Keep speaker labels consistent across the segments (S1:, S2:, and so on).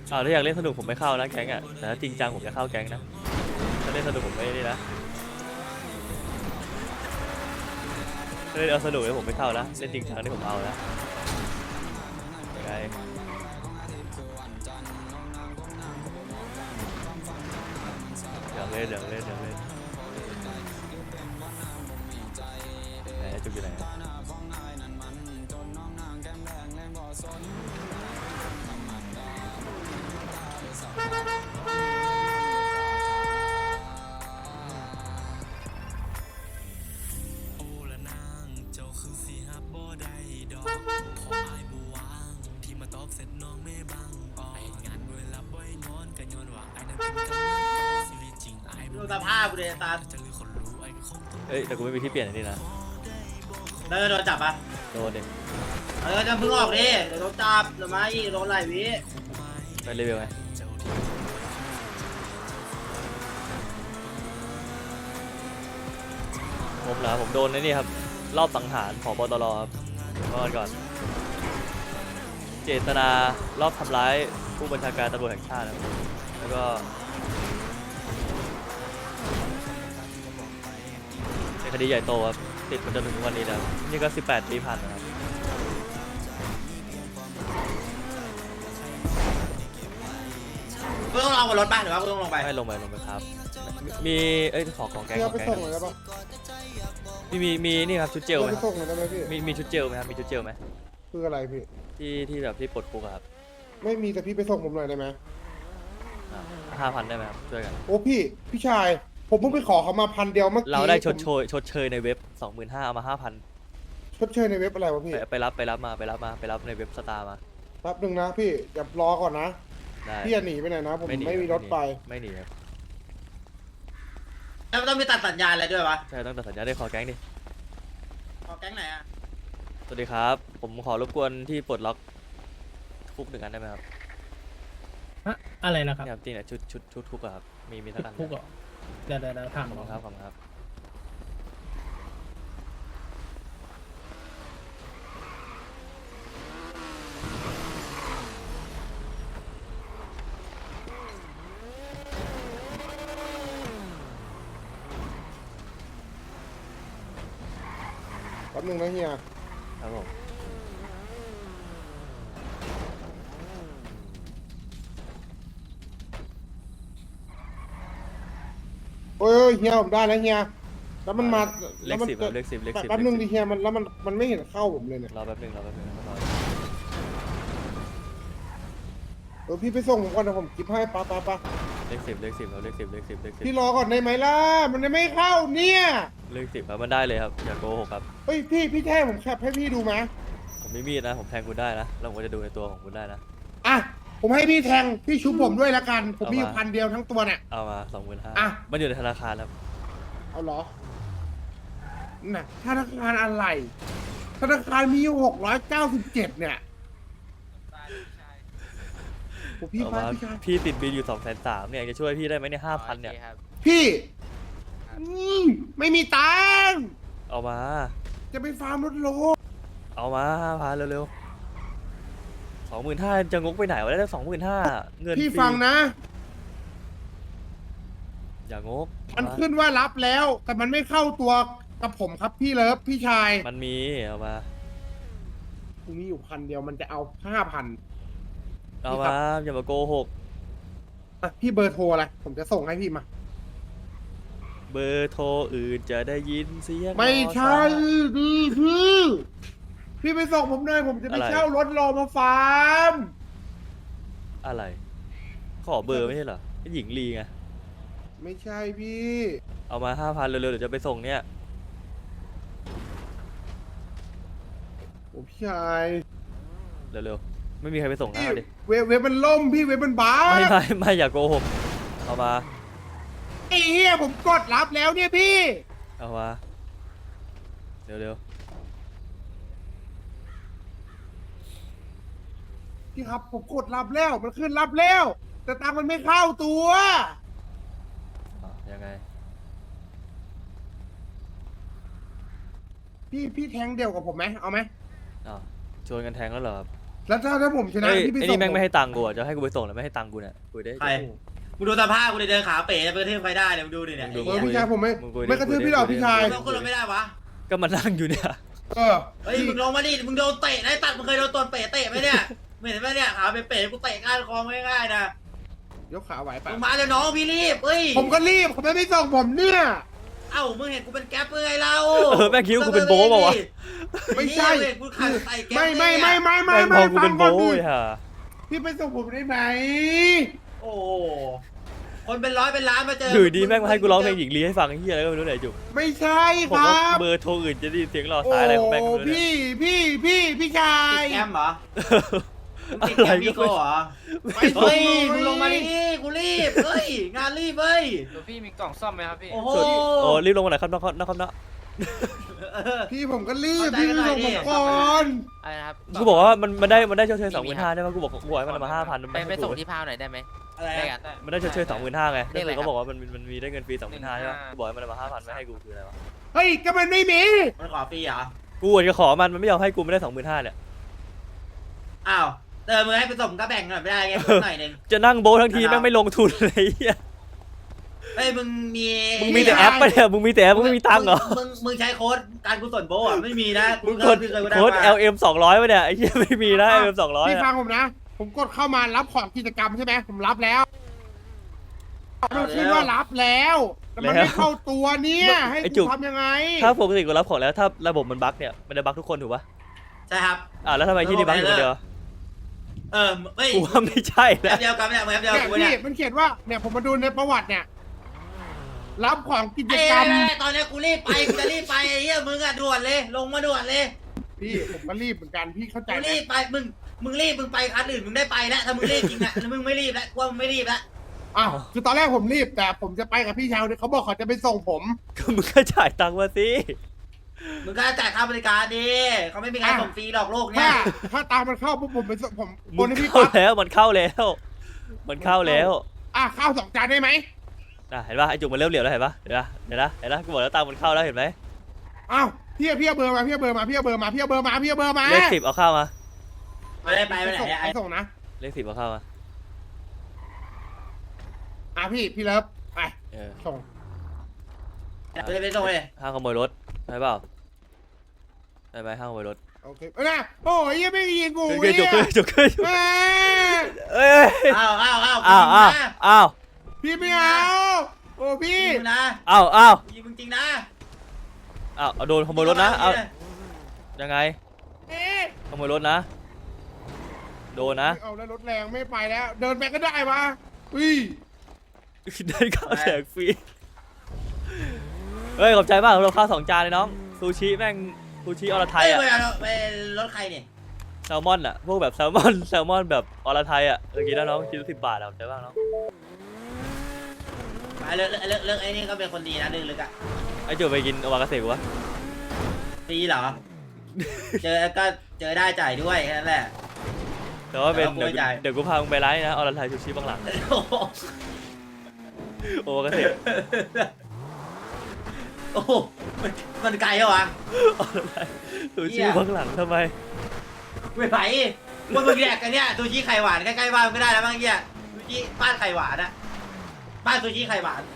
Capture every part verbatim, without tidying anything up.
S1: อ้าวถ้าอยากเล่นสนุกผมไม่เข้านะแก๊งอ่ะแต่ถ้าจริงจังผมจะเข้าแก๊งนะถ้าเล่นสนุกผมไม่นี่นะถ้าเล่นเอาสนุกเลยผมไม่เข้านะเล่นจริงจังนี่ผมเอานะยังไงอยากเล่นอยากเล่นอยากเล่นไหนจุกอยู่ไหน
S2: ดูสภาพกูเลยตา
S1: เอ้ยแต่กูไม่มีที่เปลี่ยนอันนี้นะ
S2: แล้วจะโดนจับปะ
S1: โดนเด็ก
S2: เออจะพึ่งออกดิเดี๋ยวโดนจับเดี๋ยวมาอีกโดนไหลวิ
S1: ไปรีวิวไงผมเหรอผมโดนไอ้นี่ครับรอบสังหารผบตรครับก่อนก่อนเจตนารอบทำร้ายผู้บัญชาการตำรวจแห่งชาติครับแล้วก็เป็นคดีใหญ่โตครับติดมาจนถึงวันนี้แล้วนี่ก็สิบแปดปีผ่านนะครับ
S2: กูต้องลงบนรถป่ะหรือว่ากูต้องลงไป
S1: ไม่ลงไปลงไปครับ มีเอ้ยขอของแกง
S3: พี่
S1: ข
S3: เอา
S1: อง
S3: ไป
S1: แกง
S3: ส่งหน่อยได้ปะ
S1: มีมีมีนี่ครับชุดเจล
S3: เอา
S1: ไหม
S3: ไป
S1: ครับ
S3: ส่งหน่อยได้ไหมพี่
S1: มีมีชุดเจลไหมครับมีชุดเจลไหม
S3: คืออะไรพี่
S1: ที่ที่แบบที่ปลดคุกอะครับ
S3: ไม่มีแต่พี่ไปส่งผมหน่อยได้ไหม
S1: ห้าพันได้ไหมครับช่วยกัน
S3: โอ้พี่พี่ชาย ผมเพิ่งไปขอเขามาพันเดียวเมื่อกี้
S1: เราได้ชด
S3: ผม
S1: เชยชดเชยในเว็บสองหมื่นห้าเอามาห้าพัน
S3: ชดเชยในเว็บอะไรวะพี่
S1: ไปไปรับไปรับมาไปรับมาไปรับในเว็บสตาร์มา
S3: แป๊บหนึ่งนะพี่อย่ารอก่อนนะ
S1: ได้
S3: พี่อย่าหนีไปไหนนะผม
S1: หนี
S3: ไม่มีรถไป
S1: ไม่หนีครับ
S2: แล้วต้องมีตัดสัญญาณอะไรด้วยวะ
S1: ใช่ต้องตัดสัญญาได้ขอแก๊งดิ
S2: ขอแก๊งไหนอ่ะ
S1: สวัสดีครับ ผมขอรบกวนที่ปลดล็อกคุกหนึ่งอันได้ไหมครับ
S4: ฮะอะไรนะครับ
S1: เนี่ยครับจริงเนี่ยชุดชุดชุดคุกอะครับมีมีสักอันไหม
S4: คุกเหรอเดี๋ยวเดี๋ยวเดี๋ยวถาม
S1: ขอบคุณครับขอบคุณครับ
S3: แป๊บหนึ่งนะเฮีย
S1: ครับผม
S3: โอ้ยเฮียผมได้แล้วเฮียแล้วมันมา
S1: เล
S3: แล้ว
S1: ข
S3: มัน
S1: สิบครับเลขสิบเลขสิบ
S3: แป๊บหนึ่ง
S1: เล
S3: ดิ
S1: ขสิบ
S3: เฮียมันแล้วมันมันไม่เห็นเข้าผมเลยเนี่ย
S1: รอแป๊บหนึงรอแป๊บหนึงรอ
S3: เออพี่ไปส่งผมก่อนนะผมกิฟให้ปะปะปะ
S1: เลขสิบเลขสิบครับเลขสิบเลขสิบเลขสิบ
S3: พี่รอก่อนได้ไหมล่ะมันยังไม่เข้าเนี่ย
S1: เลขสิบครับมันได้เลยครับอย่าโกหกครับ
S3: เฮ้ยพี่พี่แท้ผมแคปให้พี่ดูไหม
S1: ผมไม่มีดนะผมแทงคุณได้นะแล้วผมก็จะดูในตัวของคุณได้นะ
S3: อ่ะผมให้พี่แทงพี่ชุบผมด้วยละกัน ผมมีอยู่
S1: เอามา
S3: พันเดียวทั้งตัวเนี่ย
S1: เอามาสองหมื่นห้า
S3: อ่ะ
S1: มันอยู่ในธนาคารครับ
S3: เอาเหรอน่ะธนาคารอะไร ธนาคารมีอยู่หกร้อยเก้าสิบเจ็ดเนี่ยโอ้พี่
S1: เอา
S3: พา
S1: มา
S3: พี่ชาย
S1: พี่ติดบินอยู่สองแสนสามเนี่ยจะช่วยพี่ได้ไหมเนี่ยห้าพันเนี่ย
S3: พี่อืมไม่มีตังค์
S1: เอามา
S3: จะไปฟาร์มรถโล
S1: เอามาห้าพันเร็วๆสองหมื่นห้าจะงกไปไหนวะได้สองหมื่นห้าเงิน
S3: พี่
S1: ฟรี
S3: ฟังนะ
S1: อย่างก
S3: มัน
S1: เอาา
S3: ขึ้นว่ารับแล้ว แต่มันไม่เข้าตัวกับผมครับพี่เลิฟพี่ชาย
S1: มันมีเอามา
S3: กูมีอยู่พันเดียวมันจะเอาห้าพัน
S1: เอา
S3: พี่ครั
S1: มา
S3: บ
S1: อย่ามาโกหก
S3: พี่เบอร์โทรอะไรผมจะส่งให้พี่มา
S1: เบอร์โทรอื่นจะได้ยินเสียง
S3: ไม่ใช่
S1: มอไซค์
S3: ดีพี่ พี่ไปส่งผมเลยผมจะไป
S1: อะไร
S3: เช่ารถรอมาฟาร์ม
S1: อะไร ขอเบอร์ไม่ใช่เหรอไอ้หญิงลีไง
S3: ไม่ใช่พี่
S1: เอามาห้าพันเร็วๆเดี๋ยวจะไปส่งเนี่ย
S3: โอ้พี่ชาย
S1: เร็วๆไม่มีใครไปส่งห
S3: พี่
S1: น้าดิ
S3: เว็บเว็บมันล่มพี่เว็บมันบ้า
S1: ไม่ไม่ไม่อย่าโกหกเอามา
S3: ไอ้เหี้ยผมกดรับแล้วเนี่ยพี่
S1: เอามาเร็ว
S3: พี่ครับผมกดรับแล้วมันขึ้นรับแล้ว แต่ตังค์มันไม่เข้าตัว
S1: ๆอ่ะยังไง
S3: พี่พี่แทงเดียวกับผมไหมเอาไหม
S1: อ้าวชวนกันแทงแล้วเหรอครับ
S3: แล้วถ้าถ้าผมชนะ
S1: เอ้ย
S3: พี่ไป
S1: ไอ้
S3: ส่
S1: นี่
S3: ง
S1: แม่ง
S3: ผ
S1: ไม่ให้ตังค์กูอ่ะจะให้กูไปส่งแล้วไม่ให้ตังค์กูเนี่ยคุยได้
S2: ใครมึงดูสภาพกูเลยเดินขาเป๋จะไปกระทืบใครได้เนี่ยมึงดูดิเนี่ย
S1: มึงดู
S3: เออพี่ชายผมไม่
S1: มึงคุยดิ
S3: ไม่กระทืบพี่หรอกพี่ชาย
S2: มึงต้องขึ้นรถไม่ได้วะ
S1: ก็มานั่งอยู่เนี่ย
S3: เออ
S2: เฮ้ยมึงลงมาดิมึงโดนเตะนะไอ้ตัดมึงเคยโดนตัวเป๋เตะไหมเนี่ยไม่เห็นไหมเนี่ยขาเป๋กูเตะก้านคอง่ายๆนะ
S3: ยกขาไหวปะ
S2: มึงมาเลยน้องพี่รีบเฮ้ย
S3: ผมก็รีบเขาไม่ไม่ส่งผมเนี่ย
S2: เอ้ามึงเห็นกูเป็นแก๊ปเมื่อไงเรา
S1: เออแม่งคิดว่ากูเป็นโบ๊ะเปล่าวะ
S3: ไม่ใช่
S2: เหี้ยเว้ยกูขาดใส่แก๊ป
S3: ไม่ไม่ไม่ไม่ไม่
S1: แม่งพ
S3: ไม่
S1: อกูเป็น
S3: ฟั
S1: โบ้
S3: งก่อนดิ
S1: ยฮะ
S3: พี่ไปส่งผมได้ไหม
S2: โอ้โหคนเป็นร้อยเป็นล้านมาเจอ
S1: อยู่ดีแม่งมาให้กูร้องเพลงหญิงลีให้ฟังไอ้เหี้ยอะไรก็ไม่รู้ไหนจุก
S3: ไม่ใช่
S1: ผม
S3: ครั
S1: ว่า
S3: บ
S1: เบอร์โทรอื่นจะได้ยินเสียงรอ
S3: โอ้
S1: สายอะไรของแม่งก็ไม่รู้เนี่ย
S3: พี่พี่พี่พี่ชาย
S2: ติดแอมเหรอมึงติด
S1: อะไร
S2: แอมมี
S1: ก็
S2: โก้
S1: ไม่
S2: เหรอ
S3: ไป
S2: เฮ้ย
S3: ส่
S2: มึงลงมาดิกูรีบเฮ้ยงานรีบเฮ้ย
S5: หลวงพี่มีกล่องซ่อมไหมครับพี่
S2: โอ้โห
S1: สุดโอ้รีบลงมาหน่อยครับน้องครับน้องครับน้อง
S2: เออ
S3: พี่ผมก็รีบ
S2: เข้าใจ
S3: พี่
S2: กัน
S3: ไป
S2: หน่อย
S3: ส่ง
S2: ดิ
S3: ผมก่อน
S5: อะไรนะครับ
S1: กูบอกว่ามันมันได้มันได้ชดเชยสองหมื่นห้าได้ไหมกูบอกกูบอกให้มันเอามาห้าพัน
S5: ไปไปส่งที่พาวหน่อยได้ไหม
S2: อะไร
S5: ได้
S2: อะ
S5: กัน
S1: มันได้ชดเชยสองหมื่นห้าไง
S5: เรียกอะไร
S1: แล้ว
S5: ครับ
S1: เขาบอกว่ามันมันมีได้เงินฟรีสองหมื่นห้าใช่ปะ
S5: หนึ่งห้า
S1: กูบอกให้มันเอามาห้าพันไม่ให้กูคืออะไรวะ
S3: เฮ้ยก็มันไม่มี
S2: มันขอฟรีเหรอ
S1: กูอาจจะขอมันมันไม่ยอมให้กูไม่ได้สองหมื่นห้าเนี่ย
S2: อ้าวเออมึงให้ผสมก็แบ่งหน่อยไม่ได้ไงหน่อยหนึง
S1: จะนั่งโบะทั้งทีแม่งไม่ลงทุนเลยไอ้เหี้ย
S2: เฮ้ยมึงมี
S1: มึงมีแต่แอปปะเนี่ยมึงมีแต่แอปมึงไม่มีตังค์เหรอ
S2: มึงมึงใช้โค้ดการกุศลโบอ่ะไม่มีนะ
S1: มึง
S2: ก็
S1: กด
S2: เคยกูได้
S1: โค้ด
S2: มา
S1: แอล เอ็ม สองร้อยป่ะเนี่ยไอ้เหี้ยไม่มีนะ แอล เอ็ม สองร้อย
S3: พี่ฟั
S1: อะ
S3: งผมนะ ผมกดเข้ามารับของกิจกรรมใช่ไหมผมรับแล้วมันขึ้นว่ารับแล้วแต่มันไม่เข้าตัวเนี่ยให้กูทำยังไง
S1: ถ้าปกติกูรับของแล้วถ้าระบบมันบั๊กเนี่ยมันจะบั๊กทุกคนถูกปะ
S2: ใช่ครับ
S1: อ่าแล้วทำไมที่นี่บั๊กอยู่คนเดียว
S2: เออเฮ้ย
S1: กูว่าไม่ใช่
S2: แอ
S1: นะ
S2: ปเดียวกันเนี่ยมึงแอปเดียว
S3: เนี่ย
S2: กู
S3: พี่
S2: เนี่ย
S3: มันเขียนว่าเนี่ยผมมาดูในประวัติเนี่ย รับของกิจ
S2: ไอ้
S3: กรรม
S2: ไม่ไม่ตอนนี้กูรีบไปกูจะรีบไปไอ้เหี้ยมึงอะด่วนเลย ลงมาด่วนเลย
S3: พี่ผมก็รีบเหมือนกันพี่เข้าใจ
S2: กู
S3: ไหม
S2: รีบไปมึงมึงรีบมึงไปคันอื่นมึงได้ไปแล้วถ้ามึงรีบจริงอะแล้วมึงไม่รีบแล้วกูว่ามึงไม่รีบแล้ว
S3: อ้าวคือตอนแรกผมรีบแต่ผมจะไปกับพี่ชายเนี่ยเขาบอกเขาจะไปส่งผม
S1: ก็มึงก็จ่ายตังค์มาสิ
S2: มึงก็จ่ายค่าบริการดิเขาไม่มีใครส่งฟรีหรอกโลกเนี้
S3: ถ้าย ถ้าตามมันเข้าปุ๊บผมไปส่งผมโอ
S1: มึ
S3: น
S1: ง
S3: ให้พี่
S1: เข้า
S3: ปั๊บ
S1: แล้วมันเข้าแล้ว มันเข้าแล้ว
S3: อ่ะข้าวสองจานได้ไหม
S1: อ่ะเห็นปะไอจุกมันเริ่มเหลียวแล้วเห็นปะเห็นปะเห็นปะเห็นปะกูบอกแล้วตังค์มันเข้าแล้วเห็นไหม
S3: อ้าวพี่เอาพี่เอาเบอร์มาพี่เอาเบอร์มาพี่เอาเบอร์มาพี่เอาเบอร์มาพี่เอาเบอร์มา
S1: เลขสิบเอาเข้ามา
S2: ไม่ได้ไปไปไหนอะ
S3: ไปส่งนะ
S1: เลขสิบเอาเข้ามา
S3: อ่ะพี่พี่เลิฟไป
S1: เออ
S3: ส่ง
S2: ไปเลยไปส่งเลย
S1: ห้างขโมยรถใช่เปล่าได้ไหมห้างขโมยรถ
S3: โอเคเออนะโอ้ยยังไม่ยิงกู
S1: ขึ้น
S3: เนี่
S1: จุก
S3: ย
S1: ขึ้นจุกขึ้นจุก
S3: แม่
S1: เอ้ย
S2: อ้าวอ้าวอ้าว
S1: อ้าวอ้าวอ้าว
S3: พี่ไม่เอาโอ้พี่
S2: ยิงนะ
S1: อ้าวอ้าว
S2: ยิงมึงจริงนะ
S1: อ้าวเอาโดนขโมยรถนะเอายังไง
S3: เอ๊ะ
S1: ขโมยรถนะ โดนนะ
S3: เอาแล้วรถแรงไม่ไปแล้ว เดินไปก็ได้วะอุ้ย
S1: ได้ข้าวแจกฟรีเฮ้ยขอบใจมากเราข้าวสองจานเลยน้องซูชิแม่งซูชิอรไท
S2: เฮ้
S1: ย
S2: ย
S1: อะ
S2: ไปเอาไปรถใครเนี่ย
S1: แซลมอนอะพวกแบบแซลมอนแซลมอนแบบอรไทยอะเออกินแล้วน้องกินสิบบาทอะขอบใจมากน้อง
S2: ไปเลิกเลิกเลิกไอ้นี่ก็เป็นคนดีนะลึกๆอ่ะ
S1: ไอ้จุ๋ไปกินโอมากาเสะกูวะ
S2: ฟรีเหรอ เจอก็เจอได้จ่ายด้วยแค่นั้นแหละ
S1: แต่ว่าเป็น
S2: แต่
S1: เดี๋ยว
S2: ว่ากูไม่จ่าย
S1: เดี๋ยวกูพามึงไปร้านนะอรไทยซูชิบางหลัง
S2: โอ้โห
S1: โอมากาเสะ
S2: โอ้โหมันมันไกลเหรอวะ
S1: อรไทยซู
S2: เหี้
S1: ชิ
S2: ย
S1: บางหลังทำไม
S2: ไม่ไหวว่ามึงแยกกันเนี่ยซูชิไข่หวานใกล้ๆบ้านไม่ได้แล้วบ้างเงี้ยซูชิบ้านไข่หวานอะบ้านซูชิไข่หวาน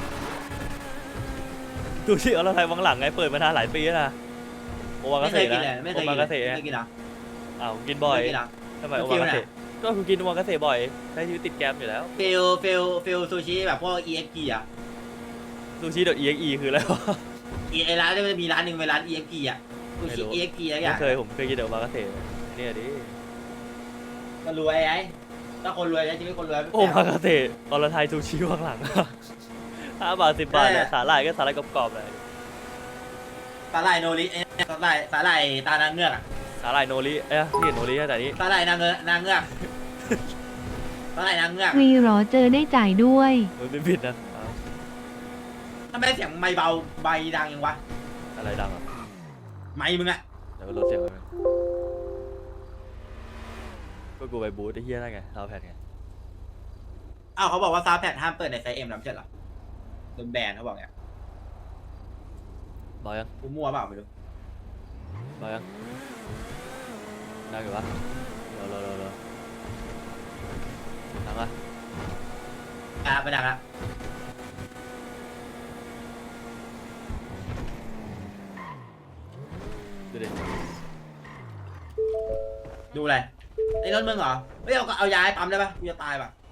S1: ซูชิอรไทยบางหลังไงเปิดมานานหลายปีแล้วนะโอมากา
S2: ไม่เค
S1: เสะ
S2: ยกิน
S1: นะ
S2: เลยไม่เค
S1: โอย
S2: กิ
S1: มาน
S2: เล
S1: กาย เสะ
S2: ไม่เคยกินเหรอ
S1: อ้าวกินบ่อย
S2: ไม่เคยกินเหรอ
S1: ทำไมโอมากาเสะก็กูกินโอมากาเสะบ่อยใช้ชีวิตติดแกรมอยู่แล้ว
S2: ฟิลฟิลฟิลซูชิแบบพวก อี เอ็กซ์ พี อ่ะ
S1: ซูชิ .exe คืออะไรวะ
S2: อีไอร้านเนี่ยมันจะมีร้านหนึ่งเป็นร้าน อี เอ็กซ์ พี อ่ะซู
S1: ไม่
S2: ชิ
S1: รู้
S2: อี เอ็กซ์ พี อะไรอ
S1: ไม่
S2: ย่าง
S1: เคยผมเคยกินแต่โอมากาเสะเนี่ยดิ
S2: ก็รวยไอ้ถ้าคนรวยใช้ชีวิตคนรวย
S1: โอมากาเสะอรไทยซูชิบางหลัง ห้าบาทสิบบาทเนี่ยสาหร่ายก็สาหร่ายกรอบๆเลย
S2: สาหร่ายโนริเอ้ยสาหร่ายสาหร่ายตานางเงือกอะ
S1: สาหร่ายโนริเอ้ยที่เห็นโนริแต่นี้
S2: สาหร่ายนางเงือกนางเงือกสาหร่ายนางเงือก
S6: วีเหรอเจอได้จ่ายด้วย
S1: มันไม่ผิดนะอ้าว
S2: ทำไมเสียงไม่เบาใบดังยังวะ
S1: อะไรดังอ่ะ
S2: ไม่มึงอะ
S1: เดี๋ยวก็ลดเสียงไปมั้ยก็กูไปบูธไอ้เหี้ยนั่นไงเราแผ่นไง
S2: อ้าวเขาบอกว่าซาวด์แพดห้ามเปิดในไซส์เอ็มแล้วไม่ใช่เหรอโดนแบนเขาบอกเนี่ย
S1: บอกยัง
S2: กูมั่วเปล่าไม่รู้
S1: บอกยังได้อยู่ปะรอรอรอรอดังปะ
S2: อ่ะไปดักละ
S1: ดูดิ
S2: ดูอะไรไอ้รถมึงเหรอไม่เอาเอายาให้ปั๊มได้ปะกูจะตายปะ